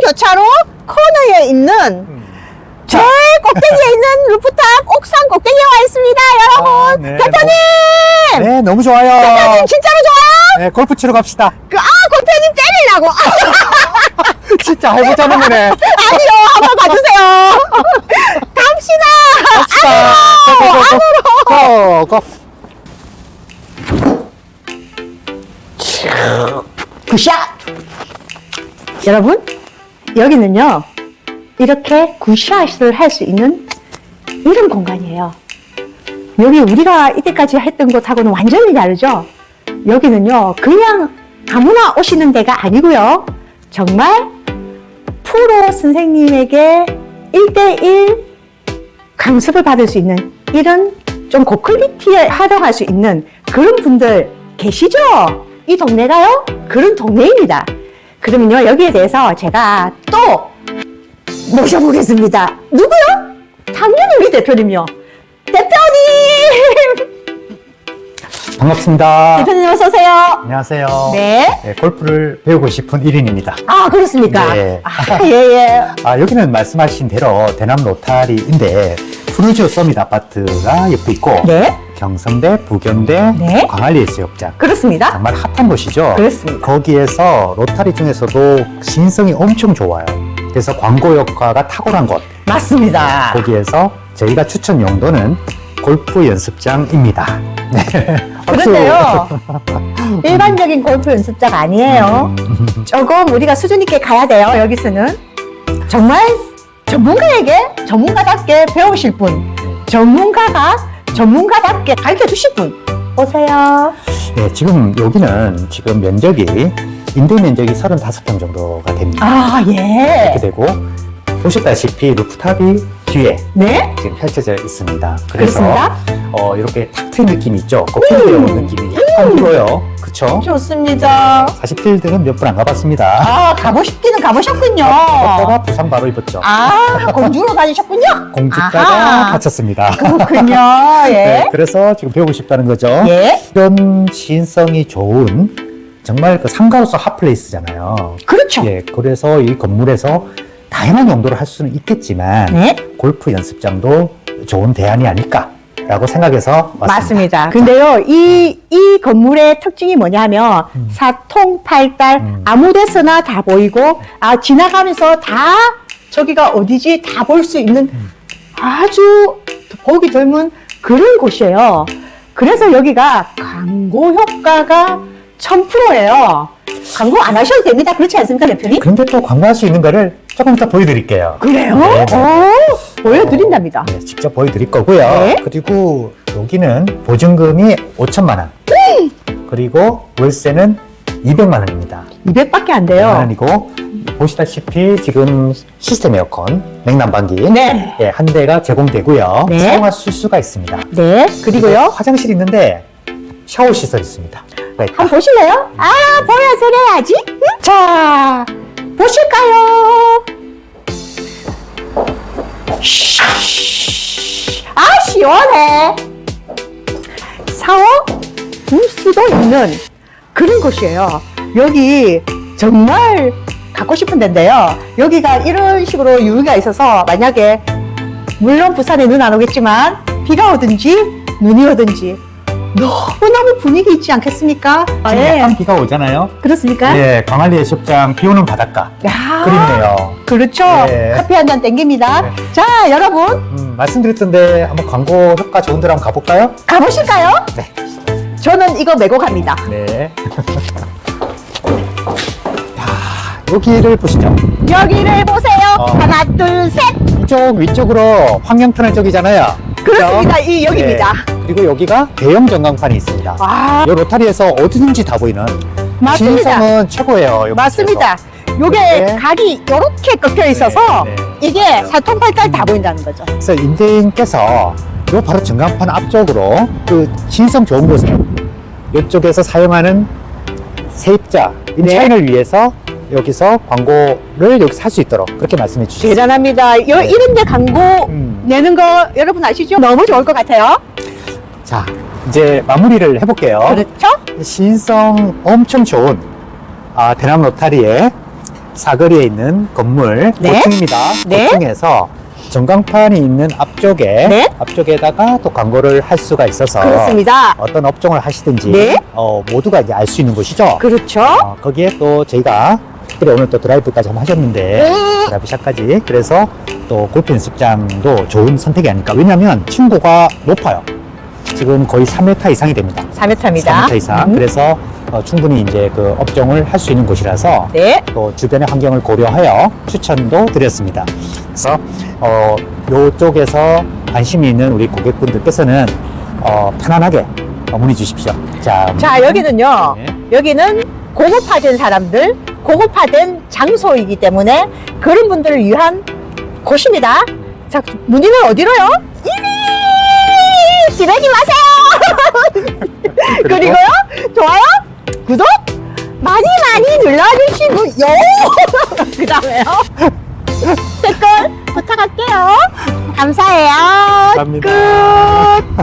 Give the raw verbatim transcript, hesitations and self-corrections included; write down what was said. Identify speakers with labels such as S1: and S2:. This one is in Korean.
S1: 교차로 코너에 있는
S2: 음.
S1: 제일 꼭대기에 있는 루프탑 옥상 꼭대기에 와 있습니다, 여러분.
S2: 아, 네.
S1: 대표님!
S2: 네, 너무 좋아요.
S1: 대표님 진짜로 좋아요?
S2: 네, 골프 치러 갑시다.
S1: 그, 아, 대표님 때리려고.
S2: 진짜 해보자는 거네.
S1: 아니요, 한번 봐주세요. 갑시다.
S2: 갑시다.
S1: 안으로,
S2: 고, 고, 고.
S1: 굿샷! 여러분, 여기는요, 이렇게 굿샷을 할 수 있는 이런 공간이에요. 여기 우리가 이때까지 했던 곳하고는 완전히 다르죠? 여기는요, 그냥 아무나 오시는 데가 아니고요. 정말 프로 선생님에게 일대일 강습을 받을 수 있는 이런 좀 고퀄리티에 활용할 수 있는 그런 분들 계시죠? 이 동네가요? 그런 동네입니다. 그러면요, 여기에 대해서 제가 또 모셔보겠습니다. 누구요? 당연히 우리 대표님요. 대표님!
S2: 반갑습니다.
S1: 대표님 어서오세요.
S2: 안녕하세요.
S1: 네.
S2: 네, 골프를 배우고 싶은 일 인입니다.
S1: 아, 그렇습니까?
S2: 네.
S1: 아, 예, 예.
S2: 아, 여기는 말씀하신 대로 대남 로타리인데 푸르지오 서밋 아파트가 옆에 있고
S1: 네.
S2: 경성대, 부견대,
S1: 네.
S2: 광안리 해수욕장
S1: 그렇습니다.
S2: 정말 핫한 곳이죠.
S1: 그렇습니다.
S2: 거기에서 로타리 중에서도 시인성이 엄청 좋아요. 그래서 광고 효과가 탁월한 곳.
S1: 맞습니다.
S2: 거기에서 저희가 추천 용도는 골프 연습장입니다. 네.
S1: 그런데요, 일반적인 골프 연습자가 아니에요. 조금 우리가 수준 있게 가야 돼요, 여기서는. 정말 전문가에게 전문가답게 배우실 분, 전문가가 전문가답게 가르쳐 주실 분. 오세요.
S2: 네, 지금 여기는 지금 면적이 임대 면적이 서른다섯 평 정도가 됩니다.
S1: 아, 예.
S2: 이렇게 되고 보셨다시피 루프탑이 뒤에
S1: 네?
S2: 지금 펼쳐져 있습니다. 그래서
S1: 그렇습니다.
S2: 어, 이렇게 탁 트인 느낌이 있죠. 그 필드에 온 느낌이 약간 들어요. 그쵸?
S1: 좋습니다.
S2: 사실 필드는 몇 번 안 가봤습니다.
S1: 아, 가보셨기는 가보셨군요.
S2: 갔다가 부상 바로 입었죠.
S1: 아, 공주로 다니셨군요.
S2: 공주가가
S1: 아하.
S2: 다쳤습니다.
S1: 그렇군요. 예.
S2: 네, 그래서 지금 배우고 싶다는 거죠.
S1: 예.
S2: 이런 시인성이 좋은 정말 그 상가로서 핫플레이스잖아요.
S1: 그렇죠.
S2: 예, 그래서 이 건물에서 다양한 용도를 할 수는 있겠지만
S1: 네.
S2: 골프 연습장도 좋은 대안이 아닐까라고 생각해서 왔습니다.
S1: 맞습니다. 근데요, 이, 이 건물의 특징이 뭐냐면,
S2: 음.
S1: 사통팔달,
S2: 음.
S1: 아무 데서나 다 보이고, 아, 지나가면서 다, 저기가 어디지, 다 볼 수 있는
S2: 음.
S1: 아주 보기 드문 그런 곳이에요. 그래서 여기가 광고 효과가 천 퍼센트예요. 광고 안 하셔도 됩니다. 그렇지 않습니까, 대표님?
S2: 근데 또 광고할 수 있는 거를 조금 이따 보여드릴게요.
S1: 그래요?
S2: 네, 네.
S1: 오, 보여드린답니다.
S2: 네, 직접 보여드릴 거고요.
S1: 네.
S2: 그리고 여기는 보증금이 오천만 원. 그리고 월세는 이백만 원입니다.
S1: 이백밖에 안
S2: 이백만
S1: 돼요.
S2: 원이고 보시다시피 지금 시스템 에어컨, 냉난방기
S1: 네.
S2: 예, 한 대가 제공되고요.
S1: 네.
S2: 사용하실 수가 있습니다.
S1: 네, 그리고요.
S2: 화장실 있는데 샤워 시설 있습니다. 네.
S1: 한번 보실래요? 아, 보여드려야지. 응? 자, 보실까요? 아, 시원해. 샤워 부스도 있는 그런 곳이에요. 여기 정말 갖고 싶은 데인데요. 여기가 이런 식으로 유의가 있어서 만약에 물론 부산에 눈 안 오겠지만 비가 오든지 눈이 오든지 너무너무 분위기 있지 않겠습니까?
S2: 지금
S1: 예.
S2: 약간 비가 오잖아요.
S1: 그렇습니까?
S2: 예, 광안리 해수욕장 비 오는 바닷가.
S1: 야,
S2: 그립네요.
S1: 그렇죠.
S2: 네.
S1: 커피 한 잔 땡깁니다.
S2: 네.
S1: 자, 여러분
S2: 음, 말씀드렸던데 한번 광고 효과 좋은 데로 한번 가볼까요?
S1: 가보실까요?
S2: 네.
S1: 저는 이거 메고 갑니다.
S2: 네. 야, 여기를 보시죠.
S1: 여기를 보세요.
S2: 어.
S1: 하나, 둘, 셋.
S2: 이쪽 위쪽으로 환경 터널 쪽이잖아요.
S1: 그렇습니다. 이 여기입니다.
S2: 네. 그리고 여기가 대형 전광판이 있습니다.
S1: 와,
S2: 이 로타리에서 어디든지 다 보이는
S1: 맞습니다.
S2: 시인성은 최고예요. 여기
S1: 맞습니다. 요게
S2: 네.
S1: 각이 이렇게 꺾여 있어서
S2: 네, 네.
S1: 이게 사통팔달 다 보인다는 거죠.
S2: 그래서 임대인께서 요 바로 전광판 앞쪽으로 그 시인성 좋은 곳을 이쪽에서 사용하는 세입자, 임차인을 위해서 여기서 광고를 여기서 할 수 있도록 그렇게 말씀해 주셨습니다.
S1: 대단합니다. 요,
S2: 네.
S1: 이런 데 광고
S2: 음.
S1: 내는 거 여러분 아시죠? 너무 좋을 것 같아요.
S2: 자, 이제 마무리를 해볼게요.
S1: 그렇죠?
S2: 시인성 엄청 좋은 아, 대남 로타리에 사거리에 있는 건물
S1: 네.
S2: 고층입니다.
S1: 네.
S2: 고층에서 전광판이 있는 앞쪽에
S1: 네.
S2: 앞쪽에다가 또 광고를 할 수가 있어서
S1: 그렇습니다.
S2: 어떤 업종을 하시든지
S1: 네.
S2: 어, 모두가 이제 알 수 있는 곳이죠.
S1: 그렇죠.
S2: 어, 거기에 또 저희가 특별히 오늘 또 드라이브까지 한번 하셨는데
S1: 네.
S2: 드라이브샷까지 그래서 또 골프 연습장도 좋은 선택이 아닐까. 왜냐하면 층고가 높아요. 지금 거의 삼 미터 이상이 됩니다.
S1: 삼 미터입니다.
S2: 삼 미터 이상.
S1: 음.
S2: 그래서 어, 충분히 이제 그 업종을 할 수 있는 곳이라서
S1: 네.
S2: 또 주변의 환경을 고려하여 추천도 드렸습니다. 그래서 어, 요쪽에서 관심이 있는 우리 고객분들께서는 어, 편안하게 어, 문의 주십시오. 자,
S1: 자, 여기는요.
S2: 네.
S1: 여기는 고급화된 사람들, 고급화된 장소이기 때문에 그런 분들을 위한 곳입니다. 자, 문의는 어디로요? 이리! 지르지 마세요! 그리고요, 좋아요, 구독 많이 많이 눌러주시고요. 그 다음에요, 댓글 부탁할게요. 감사해요.
S2: 감사합니다.
S1: 끝.